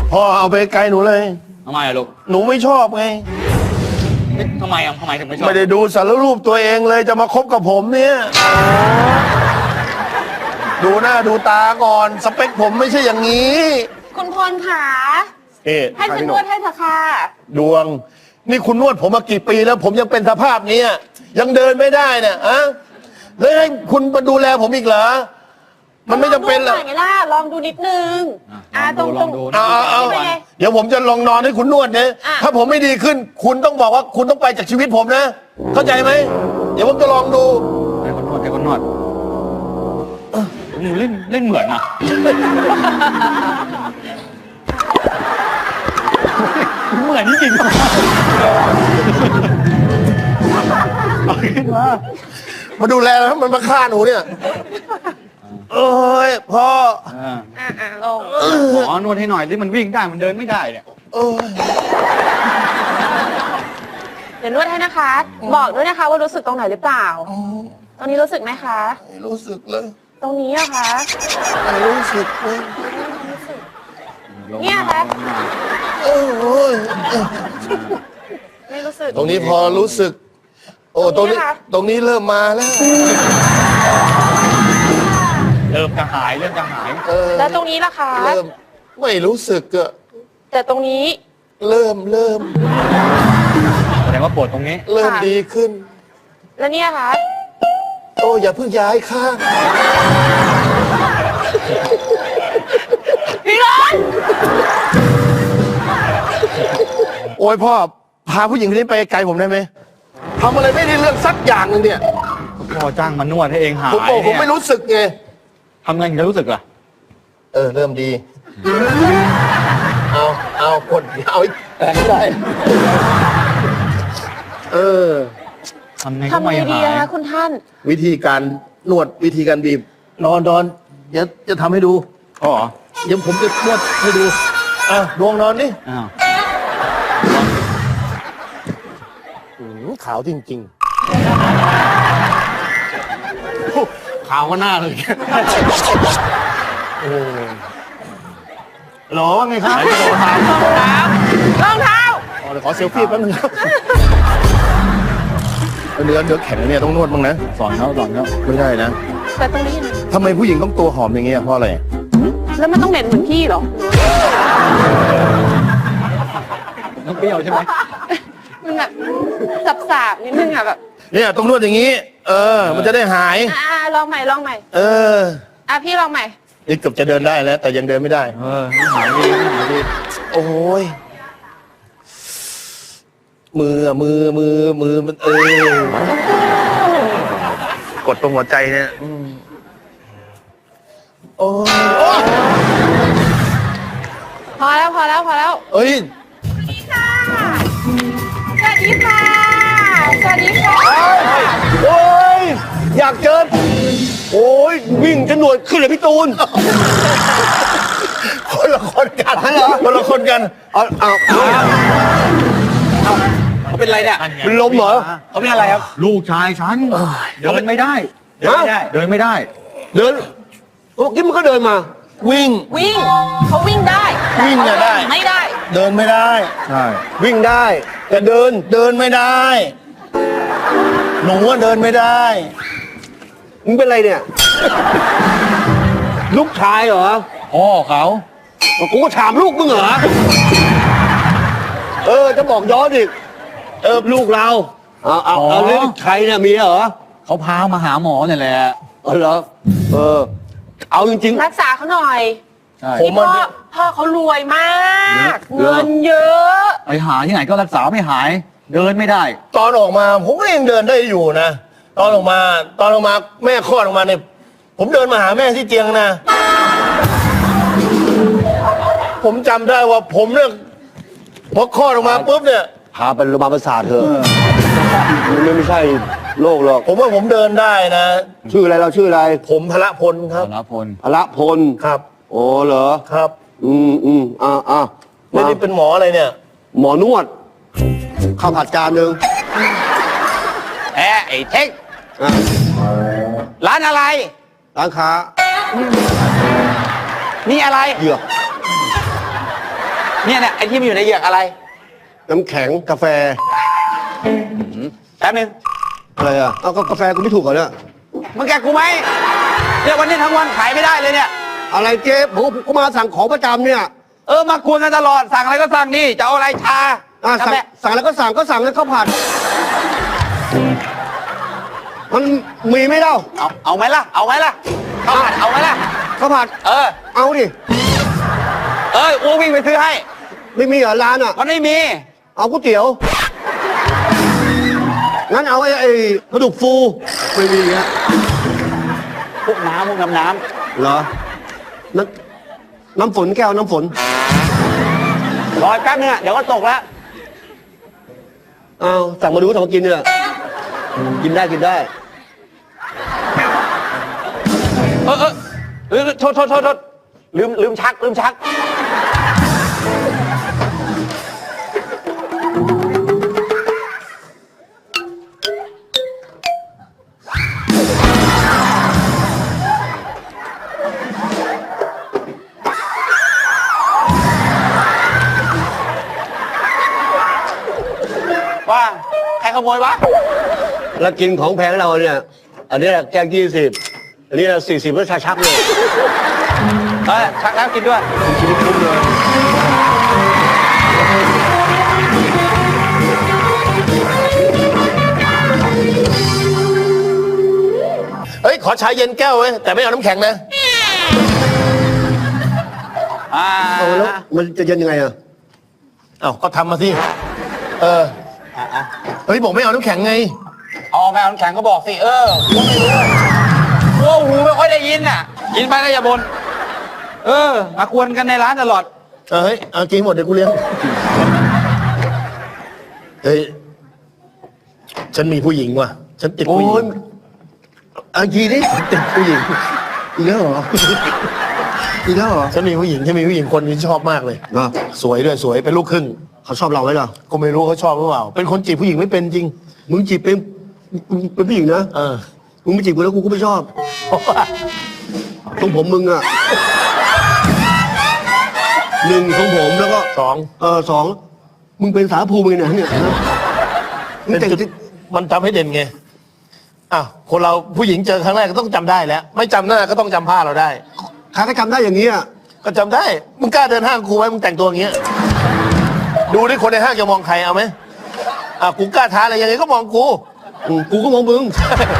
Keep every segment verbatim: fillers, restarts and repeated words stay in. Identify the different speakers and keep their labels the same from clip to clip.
Speaker 1: พ่อเอาไปไกลหนูเลย
Speaker 2: ทำไมอะลูก
Speaker 1: หนูไม่ชอบไง
Speaker 2: ทำไมอ่ะทำไมถึงไม่ชอบ
Speaker 1: ไม่ได้ดูสารรูปตัวเองเลยจะมาคบกับผมเนี่ยดูหน้าดูตาก่อนสเปคผมไม่ใช่อย่างนี้
Speaker 3: คุณพลขา
Speaker 1: เอ๊ะ
Speaker 3: ให้ฉันนวดให้เถอะค่ะ
Speaker 1: ดวง นี่คุณนวดผมมากี่ปีแล้ว ผมยังเป็นสภาพนี้อะยังเดินไม่ได้เนี่ยอะแล้วให้คุณมาดูแลผมอีกเหรอมันไม่จำเป็นหร
Speaker 3: ล
Speaker 1: อ
Speaker 3: อก งดูหน่อยไงล่ะลองดูนิดนึงอ่าตรง
Speaker 2: ล
Speaker 3: ตร
Speaker 2: อง งดู
Speaker 1: เอาเอาเอา
Speaker 3: นี่เป็นไง
Speaker 1: เดี๋ยวผมจะลองนอนให้คุณนวดเนี่ย
Speaker 3: อ่ะ
Speaker 1: ถ้าผมไม่ดีขึ้น คุณต้องบอกว่าคุณต้องไปจากชีวิตผมนะ เข้าใจไหมเดี๋ยวผมจะลองดู
Speaker 2: ให้คนนวดให้คนนวดเออหนูเล่นเล่นเหมือนนะเหมือนจริงๆเอาขึ้นมา
Speaker 1: มาดูแลแล้วมันมาฆ่าหนูเนี่ยเอ้ยพ่อ
Speaker 2: อ่า
Speaker 3: อ่าอ่าลง
Speaker 2: หมอนวดให้หน่อยที่มันวิ่งได้มันเดินไม่ได้เนี่ย
Speaker 1: เอ้ย
Speaker 3: เดี๋ยวนวดให้นะคะ บอกด้วยนะคะว่ารู้สึกตรงไหนหรือเปล่า ตรงนี้รู้สึกไหมคะ
Speaker 1: ไม่รู้สึกเลย
Speaker 3: ตรงนี้อะคะ
Speaker 1: ไม่รู้สึกเลย
Speaker 3: เนี่ยคะ
Speaker 1: โอ้ย
Speaker 3: ไม่รู้สึก
Speaker 1: ตรงนี้พอรู้สึก โอ้ตรงนี้
Speaker 3: ตรงนี้นะคะ
Speaker 1: ตรงนี้เริ่มมาแล้ว
Speaker 2: เริ่มจะหายเริ่มจะหาย
Speaker 1: เออ
Speaker 3: แล้วตรงนี้ล่ะคะ
Speaker 1: เริ่มไม่รู้สึกอะ
Speaker 3: แต่ตรงนี้
Speaker 1: เริ่มเริ่ม
Speaker 2: แสดงว่าปวดตรงนี้
Speaker 1: เริ่มดีขึ้น
Speaker 3: แล้วเนี่ยคะ
Speaker 1: โอ้อย่าเพิ่งย้ายข้าง
Speaker 3: พี่ร้อน
Speaker 1: โอ้ยพ่อพาผู้หญิงคนนี้ไปไกลผมได้ไหมทำอะไรไม่ได้เรื่องสักอย่างหนึ่งเนี่ย
Speaker 2: พอจ้างมานวดให้เองหาย
Speaker 1: ผมบอกผม
Speaker 2: เนี่ย
Speaker 1: ไม่รู้สึกไง
Speaker 2: ทำไงถึงจะรู้สึกล่ะ
Speaker 1: เออ เริ่มดี เอาเอาคนเอาอีกแต่ไม่ได้ เออ
Speaker 2: ทำไงก็
Speaker 3: ทำ
Speaker 2: ไม่
Speaker 3: ไงดี
Speaker 2: หาย
Speaker 3: อะคะคุณท่าน
Speaker 1: วิธีการนวดวิธีการบีบ นอนนอนเดี๋ยวจะทำให้ดู
Speaker 2: อ๋อเหรอ
Speaker 1: เดี๋ยวผมจะนวดให้ดูอ่ะดวงนอนดิ
Speaker 2: อ้าว
Speaker 1: อืมขาวจริงๆขาวก็หน้าเลยโอ้หรอว่าไงครับ
Speaker 2: ไหนจะโดนหาย
Speaker 3: รองเท้ารองเท้า
Speaker 1: อ๋อเดี๋ยวขอเซลฟี่แป๊บนึงครับเนื้อเนื้อแข็งเนี่ยต้องนวดบ้างนะ
Speaker 2: สอนเขาสอนเขา
Speaker 1: ไม่ได้นะ
Speaker 3: แต่ตรงนี้นะ
Speaker 1: ทำไมผู้หญิงต้องตัวหอมอย่างเงี้ยเพราะอะไร
Speaker 3: แล้วมันต้องเหม็นเหมือนพี่เหรอ
Speaker 2: น้องเปรี้ยวใช่ไหม
Speaker 3: มันแบบสับๆนิดนึงอะแบบ
Speaker 1: เนี่ยต้องนวดอย่างนี้ เออ มันจะได้หาย
Speaker 3: อ่าลองใหม่ลองใหม่
Speaker 1: เออ
Speaker 3: อ่ะพี่ลองใหม่
Speaker 1: นี่เกือบจะเดินได้แล้ว แต่ยังเดินไม่ได้
Speaker 2: เออไม่หายดีไม่หายดี
Speaker 1: โอ้ยมืออะมือมือมือมันเออกดตรงหัวใจเนี่ยอืมโอ้ยโอ้ย
Speaker 3: พอแล้วพอแล้วพอแล้ว
Speaker 1: เอ้ย
Speaker 3: สวัสดีค่ะ สวัสดีค่ะ
Speaker 1: โอ้ยอยากเจอโอ้ยวิ่งจะหนวดขึ้นเลยพี่ตูนคนละคนกันเหรอคนละคนกันเอาเอาเอา
Speaker 4: เขาเป็นไรเนี่ย
Speaker 1: เป็นลมเหรอ
Speaker 4: เขาเป็นอะไรครับ
Speaker 2: ลูกชายฉันเดินไม่ได้ เดินไม่ได้ เดินไม่ได้
Speaker 1: เดินเมื่อกี้มันก็เดินมา วิ่ง
Speaker 3: วิ่งเขาวิ่งได้แต่
Speaker 1: วิ่ง
Speaker 3: เขา
Speaker 1: อะได้
Speaker 3: เดินไม่ได้
Speaker 1: เดินไม่ได้
Speaker 2: ใช่
Speaker 1: วิ่งได้แต่เดินเดินไม่ได้ หนูว่าเดินไม่ได้
Speaker 4: มึงเป็นไรเนี่ย ลูกชายเหรอ
Speaker 2: พ่อเขา
Speaker 4: กูก็ถามลูกมึงเหรอ
Speaker 1: เออ จะบอกย้อนอีก
Speaker 4: เออ ลูกเรา เอาเอาเอาเรื่องใครเนี่ยมีเหรอ
Speaker 2: เขาพามาหาหมอเนี่ยแหละ
Speaker 4: เออเหรอ เออ เอาจริง
Speaker 3: รักษาเขาหน่อย
Speaker 2: ใช่
Speaker 1: ผม
Speaker 3: พี่พ่อพ่อเขารวยมาก เงินเยอะ
Speaker 2: ไปหาที่ไหนก็รักษาไม่หาย เดินไม่ได้
Speaker 1: ตอนออกมา ผมก็ยังเดินได้อยู่นะ ตอนออกมา ตอนออกมาแม่คลอดออกมาเนี่ย ผมเดินมาหาแม่ที่เตียงนะ ผมจำได้ว่าผมเนี่ยพอคลอดออกมาปุ๊บเนี่ย
Speaker 4: ๆ พาไปโรงพยาบาลประสาทเถอะมันไม่ใช่โรคหรอก
Speaker 1: ผมว่าผมเดินได้นะ
Speaker 4: ชื่ออะไรเราชื่ออะไร
Speaker 1: ผมพละพลครับ
Speaker 2: สารพล
Speaker 4: พละพล
Speaker 1: ครับ
Speaker 4: โอ้เหรอ
Speaker 1: ครับ
Speaker 4: อืมอืมอ่าอ่า
Speaker 1: แล้วนี่เป็นหมออะไรเนี่ย
Speaker 4: หมอนวด ข้าวผัดจานหนึ่ง
Speaker 5: เอ๊ะไอ้เท่ง
Speaker 4: อ่ะ
Speaker 5: ร้านอะไร
Speaker 4: ร้านค้า
Speaker 5: นี่อะไร
Speaker 4: เหยือก
Speaker 5: เนี่ยเนี่ยไอ้ที่มันอยู่ในเหยือกอะไร
Speaker 4: น้ำแข็งกาแฟ
Speaker 5: แป๊บนึง
Speaker 4: อะไรอ่ะเอาก็กาแฟกูไม่ถูกเหรอเนี่ย
Speaker 5: มึงแกกูไหมเนี่ยวันนี้ทั้งวันขายไม่ได้เลยเนี่ย
Speaker 4: อะไรเจ๊ผมก็มาสั่งของประจำเนี่ย
Speaker 5: เออมากวนกันตลอดสั่งอะไรก็สั่งนี่จะเอาอะไรชา
Speaker 4: อ่ะ
Speaker 5: กา
Speaker 4: สั่ง
Speaker 5: แฟ
Speaker 4: สั่งแล้วก็สั่งก็สั่งแล้วข้าวผัดมันมีไหมเล่า
Speaker 5: เอาเอาไหมล่ะเอาไหมล่ะข้าวผัดเอาไหมล่ะ
Speaker 4: ข้าวผัด
Speaker 5: เออ
Speaker 4: เอาดิ
Speaker 5: เอ้ยอูวิ่งไปซื้อให้
Speaker 4: ไม่มีเหรอร้านอ่ะ
Speaker 5: มันไม่มี
Speaker 4: เอาก๋วยเตี๋ยวงั้นเอาไอ้ไอ้กระดูกฟูไม่มีฮะ
Speaker 5: พวกน้ำพวกน้ำน้
Speaker 4: เหรอน้ำน้ำฝนแก้วน้ำฝน
Speaker 5: ำรอแป๊บนึงอะเดี๋ยวก็ตกแล้ว
Speaker 4: เอาสั่งมาดูสั่งมากินเนี่ยกินได้กินได้
Speaker 5: เออเออเออโทษโทษโทษโทษลืมลืมชักลืมชัก ว่าใครขโมยวะ
Speaker 4: แล้วกินของแพงเราเนี่ย อันนี้แหละแก้วยี่สิบอันนี้สี่สิบแล้วชาชักเลย
Speaker 5: เออชักแล้วกินด้วย
Speaker 4: ชีวิตคุ้มเลย
Speaker 1: เฮ้ย ขอชาเย็นแก้วเว้ยแต่ไม่เอาน้ำแข็งนะ
Speaker 5: อ่า
Speaker 4: เอาแล้วมันจะเย็นยังไงอ่ะ
Speaker 1: เอ้าก็ทำมาสิเออ
Speaker 5: อ่ะอ่ะ
Speaker 1: เฮ้ยบอกไม่เอาน้ำแข็งไง
Speaker 5: เอาแมวน้ำแข็งก็บอกสิเออกูไม่รู้กูว่าหูไม่ค่อยได้ยินอ่ะกินไปแล้วอย่าบ่นเออมากวนกันในร้านตลอด
Speaker 1: เออเฮ้ยเอากินหมดเดี๋ยวกูเลี้ยงเฮ้ยฉันมีผู้หญิงว่ะฉันติด
Speaker 4: โอ้
Speaker 1: ผู้หญิ
Speaker 4: ย
Speaker 1: ง
Speaker 4: เอาทีนี้
Speaker 1: ติดผู้หญิง
Speaker 4: อีกแล้วเหรออีกแล้วเหรอ
Speaker 1: ฉันมีผู้หญิงฉันมีผู้หญิงคนนี้ชอบมากเลย
Speaker 4: เหรอ
Speaker 1: สวยด้วยสวยเป็นลูกครึ่ง
Speaker 4: เขาชอบเราไหมล่ะ
Speaker 1: ก็ไม่รู้เขาชอบหรือเปล่าเป็นคนจีบผู้หญิงไม่เป็นจริง
Speaker 4: มึงจีบเป็นมึงเป็นผู้หญิงนะ
Speaker 1: เออ
Speaker 4: มึงไม่จีบกูแล้วกูก็ไม่ชอบ
Speaker 1: เพราะว่า
Speaker 4: ทรงผมมึงอ่ะหนึ่งทรงผมแล้วก็
Speaker 1: สอง
Speaker 4: เออสองมึงเป็นสาภูมิไงเนี่ยเนี่ยมึง
Speaker 1: เป็น
Speaker 4: แต่ง
Speaker 1: จุด
Speaker 4: ที่
Speaker 1: มันทำให้เด่นไงอ้าวคนเราผู้หญิงเจอครั้งแรกก็ต้องจำได้แล้ว ไม่จำหน้าก็ต้องจำผ้าเราได้
Speaker 4: ใครก็จำได้อย่างนี้อ่ะ
Speaker 1: ก็จำได้มึงกล้าเดินห้างกูไหมมึงแต่งตัวอย่างเงี้ยดูดิคนในห้างจะมองใครเอาไหมอ่ะกูกล้าท้าอะไรยังไงก็มองกู
Speaker 4: อืมกูก็มองมึง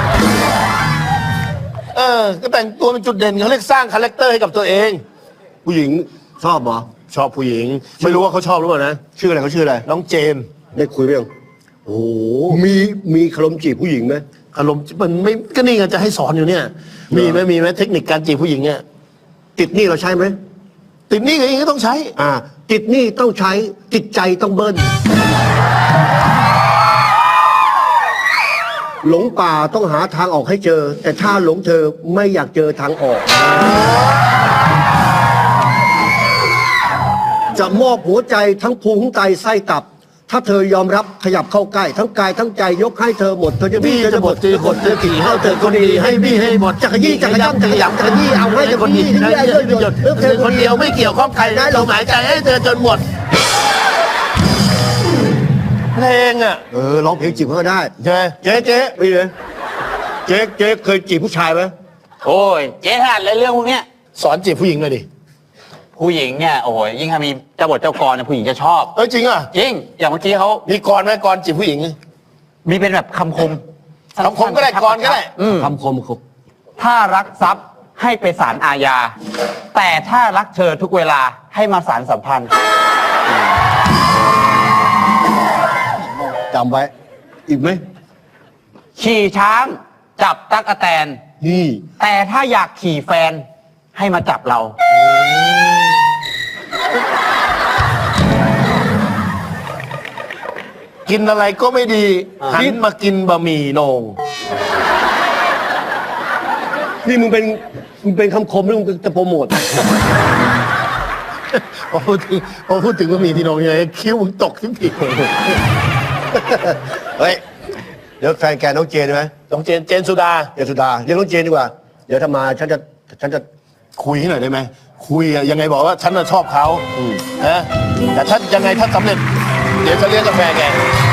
Speaker 1: เออ ก็แต่งตัวเป็นจุดเด่นเขาเรียกสร้างคาแรคเตอร์ให้กับตัวเอง
Speaker 4: ผู้หญิงชอบเหรอ
Speaker 1: ชอบผู้หญิง ไม่รู้ว่าเขาชอบหรือเปล่านะ
Speaker 4: ชื่ออะไรเขาชื่ออะไร
Speaker 1: น้องเจน
Speaker 4: ได้คุยไหมยังโอ้โหมีมีคารมจีบผู้หญิงไหม
Speaker 1: อารมณ์มันไม่ก็นี่ไงจะให้สอนอยู่เนี่ย มีไหมมีไหมเทคนิคการจีบผู้หญิงเนี่ย
Speaker 4: ติดหนี้เราใช้ไหม
Speaker 1: ติดหนี่ก็ยังต้องใช้
Speaker 4: อ่า ติดหนี้ต้องใช้ติดใจต้องเบิ้ลหลงป่าต้องหาทางออกให้เจอ แต่ถ้าหลงเธอไม่อยากเจอทางออก จะมอบหัวใจทั้งพุงไตไส้ตับ ถ้าเธอยอมรับขยับเข้าใกล้ ทั้งกายทั้งใจยกให้เธอหมดเธอจะบี้เธอจะหมดเธอหดเธอขี่เฮาเธอคนดีให้บี้ให้หมดจักรยี่จักรย่ำจักรยำจักรยี่เอาให้เธอคนดีให้ได้เลยหยด
Speaker 1: เธอคนเดียวไม่เกี่ยวข้องใครนะเราหมายใจให้เธอจนหมดเพลงอ่ะ
Speaker 4: เออร้องเพลงจีบเขาก็ได้
Speaker 1: ใช่ไหม
Speaker 4: เจ๊เจ๊ไม่เลยเจ๊เจ๊เคยจีบผู้ชายไหม
Speaker 5: โอ้ยเจ๊ถนัดเลยเรื่องพวกเนี้ย
Speaker 1: สอนจีบผู้หญิงหน่อยดิ
Speaker 5: ผู้หญิงเนี่ยโอ้ยยิ่งถ้ามีเจ้าบทเจ้ากรเนี่ยผู้หญิงจะชอบ
Speaker 1: เอ้ยจริงอ่ะ
Speaker 5: จริงอย่างเมื่อกี้เขา
Speaker 1: มีกรไหมกรจีบผู้หญิง
Speaker 5: มีเป็นแบบคำคม
Speaker 1: คำคมก็ได้กรก็ได้
Speaker 5: อืม
Speaker 4: คำคมคม
Speaker 5: ถ้ารักทรัพย์ให้ไปศาลอาญา แต่ถ้ารักเธอทุกเวลาให้มาศาลสัมพันธ์
Speaker 4: จำไว้ อีกไหม
Speaker 5: ขี่ช้างจับตั๊กแตน
Speaker 4: นี่
Speaker 5: แต่ถ้าอยากขี่แฟนให้มาจับเรา
Speaker 1: กินอะไรก็ไม่ดีหันมากินบะหมี่โหนง
Speaker 4: นี่มึงเป็นมึงเป็นคำคมหรือมึงจะโปรโมท
Speaker 1: พอพูดถึงพอพูดถึงบะหมี่ที่โหนงยังไงคิ้วมึงตกทุกที
Speaker 4: เฮ้ย เดี๋ยวแฟนแกน้องเจนใช่ไหม
Speaker 1: น้องเจนเจนสุดา
Speaker 4: เจนสุดาเรียกน้องเจนดีกว่า เดี๋ยวถ้ามาฉันจะฉันจะ
Speaker 1: คุยให้หน่อยได้ไหมคุคุยอะยังไงบอกว่าฉันน่ะชอบเขานะแต่ถ้ายังไงถ้าสำเร็จ เดี๋ยวฉันเลี้ยงกาแฟแก